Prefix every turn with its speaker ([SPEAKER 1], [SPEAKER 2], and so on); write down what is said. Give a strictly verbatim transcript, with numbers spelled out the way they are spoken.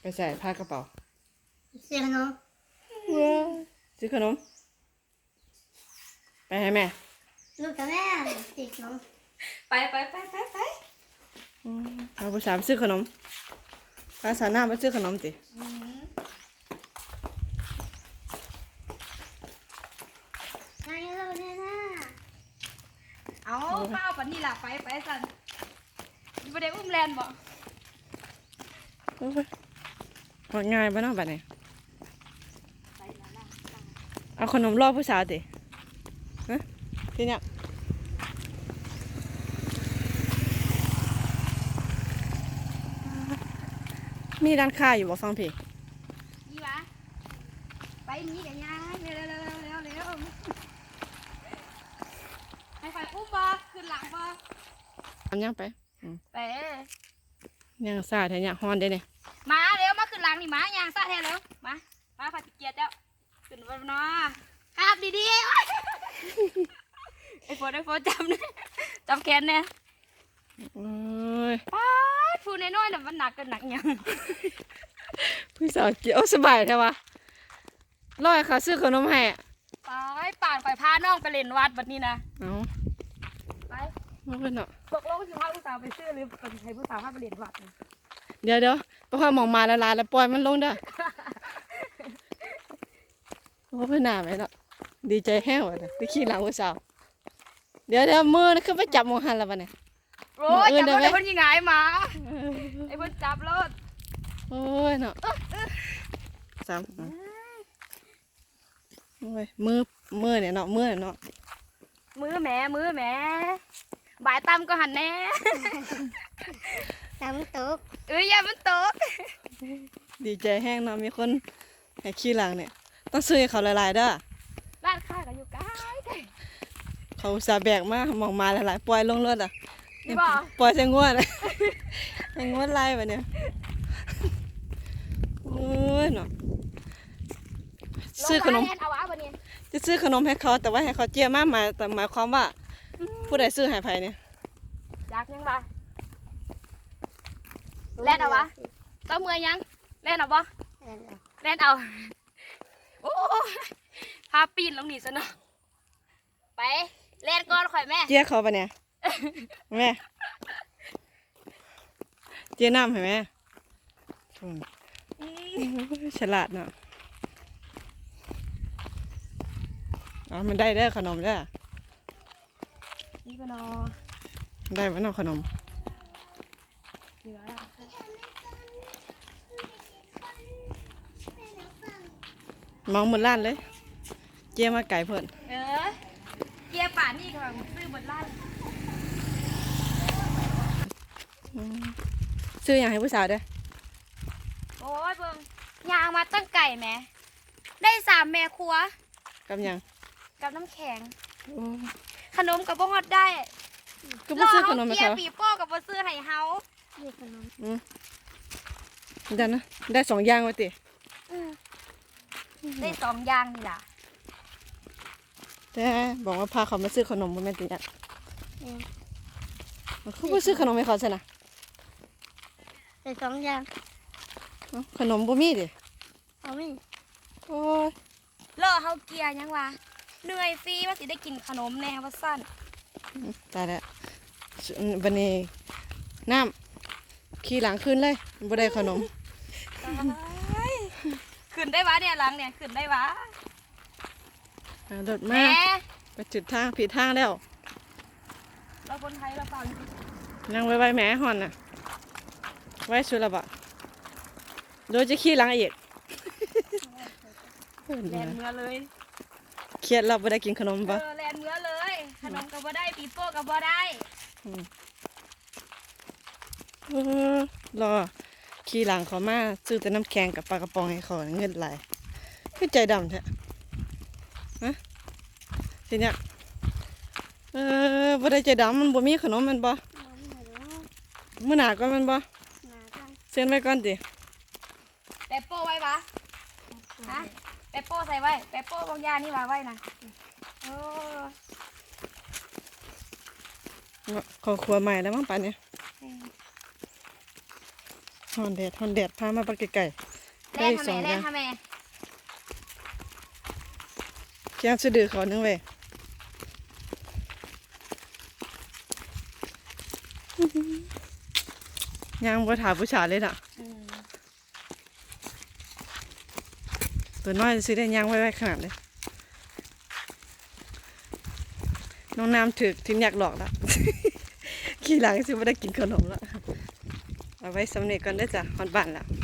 [SPEAKER 1] ไปใส่ผ้ากระเป๋า
[SPEAKER 2] ซื้อขนม
[SPEAKER 1] ซื้อขนมไปให้แม่
[SPEAKER 2] ลูกกับแม่ซื้อขนม
[SPEAKER 3] ไปไปไปไปไป
[SPEAKER 1] เอาภาษาซื้อขนมภาษาหน้ามาซื้อขนมสิ
[SPEAKER 2] นายเราเนี่ยนะ
[SPEAKER 3] เอาเป้าปันนี่ล่ะไปไปสั่นประเดี๋ยวอุ้มแลนบอก
[SPEAKER 1] หมดง่ายปะเนาะบัดนี้เอาขนมรอบผู้สาวสิฮะที่เนี่ยมีร้านค้าอยู่บ่ฟังพี่
[SPEAKER 3] นี่วะไปนี่กันยังเร็วเร็วเร็วเร็วเร็วให้ไฟอุ้มบ่ขึ้นหลังบ่
[SPEAKER 1] ทำยังไป
[SPEAKER 3] ไป
[SPEAKER 1] ยังซาแท้เนี่ยฮอนได้เนี่ย
[SPEAKER 3] มาเร็วมาขึ้นหลังนี่มายางซะแท้เร็วมามาผัดเกียร์เจ้าขึ้นบนนอครับดีๆไอ้ฝนไอ้ฝนจำเนี่ยจำแขนเนี่ย
[SPEAKER 1] โอ้ย
[SPEAKER 3] ป้าฟูน้อยๆน่ะมันหนักกันหนักยัง
[SPEAKER 1] พี่สาวเกี่ยวสบายใช่ปะร้อยค่ะซื้อขนมให้
[SPEAKER 3] ไปป่านไปพาน้องไปเล่นวัดแบบนี้นะ
[SPEAKER 1] เอา
[SPEAKER 3] ไป
[SPEAKER 1] ไม่เป็นเนาะ
[SPEAKER 3] ตกลงสิพาผู้สาวไปซื้อหรือเป็นใครผู้สาวพาไปเล่นวัด
[SPEAKER 1] เดี๋ยวเดี๋ยวเพราะว่ามองมาละลายแล้วปล่อยมันลงเด้อโอ้เพื่อนหน้าไหมเนาะดีใจแห้วเลยไปขี่หลังผู้สาวเดี๋ยวเดี๋ยวมือนี่คือไปจับมองหันแล้วปะเนี่ย
[SPEAKER 3] โอ้ยจับรถไอ้เพิ่นยิงไงมาไอ้เพิ่นจับรถ
[SPEAKER 1] โอ้ยเนาะสามโอ้ยมือมือเนี่ยเนาะมือเนาะ
[SPEAKER 3] มือแม่มือแม่บ่ายตั้มก็หันแน่
[SPEAKER 2] ตำตก
[SPEAKER 3] เอ้ยอย่ามันตก
[SPEAKER 1] ดีใจแห้งเนาะมีคนให้ขี่หลังเนี่ยต้องซื้อให้เขาละลายเด้อ
[SPEAKER 3] ร้านค้าก็อยู่ใกล้
[SPEAKER 1] เขาสาแบกมามองมาละลายปล่อยลงรถอ่ะ
[SPEAKER 3] นี่บ่
[SPEAKER 1] ปล่อยใส่งวดเลยใส่งวดไล่แบบเนี้ยโอ้ยเนาะซื้อขนมจะซื้อขนมให้เขาแต่ว่าให้เขาเจียมากมาแต่หมายความว่าผู้ใดซื้อให้ไผเนี่ย
[SPEAKER 3] อยากยังบ่แล่นเอาวะต้องมือยังแล่นเอาบ่แล่นเอาโอ้พาปีนลงนี่ซะเนาะไปแล่นก่อนข่อยแม่
[SPEAKER 1] เจียเขาปะเนี่ยแม่เจียน้ำเห็นไหมฉลาดเนาะอ๋อมันได้ได้ขนมได้
[SPEAKER 3] นี่ปะนอ
[SPEAKER 1] ได้ไหมเนาะขนมมองหมดร้านเลยเจียมาไก่เพิ่น
[SPEAKER 3] เออเจียป่านนี่ค่ะซื้อหมดร้าน
[SPEAKER 1] ซื้ออย่างให้ผู้สาวด้วย
[SPEAKER 3] โอ้ยเบิ่งยางมาตั้งไก่แม่ได้สามแม่ครัว
[SPEAKER 1] กับยัง
[SPEAKER 3] กับน้ำแข็งขนมกับบ่ฮอดได้
[SPEAKER 1] ก็บ่ซื้อขนมให้เขา
[SPEAKER 3] เจียปีโป้กับบ่ซื้อให้เฮา
[SPEAKER 2] มีขนม
[SPEAKER 1] อืมได้นะได้สองอย่างวะติ
[SPEAKER 3] ได้สองอย่างนี่ล่ะ
[SPEAKER 1] แต่บอกว่าพาเขามาซื้อขนมบ่แม่นติเนี่ยเขาบ่ซื้อขนมให้เขาใช่น่ะ
[SPEAKER 2] ได้สองอย่าง
[SPEAKER 1] ขนมบ่มีดิ
[SPEAKER 2] เอาไม่
[SPEAKER 1] โอ้ย
[SPEAKER 3] เลอะเฮาเกียยังวะเหนื่อยฟรีว่าสิได้กินขนมแน่ว่าสั้น
[SPEAKER 1] ตายแล้วบันนี้น้ำขี่หลังขึ้นเลยบ่ได้ขนม
[SPEAKER 3] ขึ้นได้วะเนี่ยหลังเนี่ยขึ้นได้วะ
[SPEAKER 1] รถมาไปจุดทางผิดทางแล้ว
[SPEAKER 3] เราคนไทยเราเปล่า
[SPEAKER 1] นั่งไว้ไว้แม่หอนน่ะไว้สุดละบ่โดยจะขี่หลังอีก
[SPEAKER 3] แลนเมื่อเลย
[SPEAKER 1] เครียดเราบ่ได้กินขนมปะ
[SPEAKER 3] เออแลนเมื่อเลยขนมกับบ่ได้ปีโป้กับบ่ได้
[SPEAKER 1] รอขี่หลังเขามาซื้อแต่น้ำแข็งกับปลากระป๋องให้เขาเงินไหลคือใจดำแท้ฮะทีเนี้ยเออบ่ได้ใจดำมันบ่มีขนมมันบ่มื้อหน้าก่อนมันบ่เซ็นไว้ก่อนติ
[SPEAKER 3] แปะโป้ไว้ปะฮะแปะโป้ใส่ไว้แปะโป้บางยานี่มาไว้นะโอ้
[SPEAKER 1] ขอครัวใหม่แล้วมั้งป่านนี้ฮอนแดดฮอนแดดพามาปักไก่ๆ
[SPEAKER 3] แล่
[SPEAKER 1] ได้
[SPEAKER 3] น
[SPEAKER 1] อีก
[SPEAKER 3] ทำ
[SPEAKER 1] ส
[SPEAKER 3] ไม
[SPEAKER 1] องอ
[SPEAKER 3] แล่น
[SPEAKER 1] ย่าง
[SPEAKER 3] ทำไม
[SPEAKER 1] เคียงสะดือเขาหนึงเว้ยยังบ่ถามผู้ชายเลยน่ะ
[SPEAKER 3] อืม
[SPEAKER 1] ตัวน้อยสิได้ยังไว้ไว้ขนาดเลยน้องน้ำถึกทิ้งอยากหลอกแล้ว ขี่หลังสิบ่ได้กินขนมแล้วเอาไว้สำเร็จก่อนเด้อจ้ะฮอดบ้านแล้ว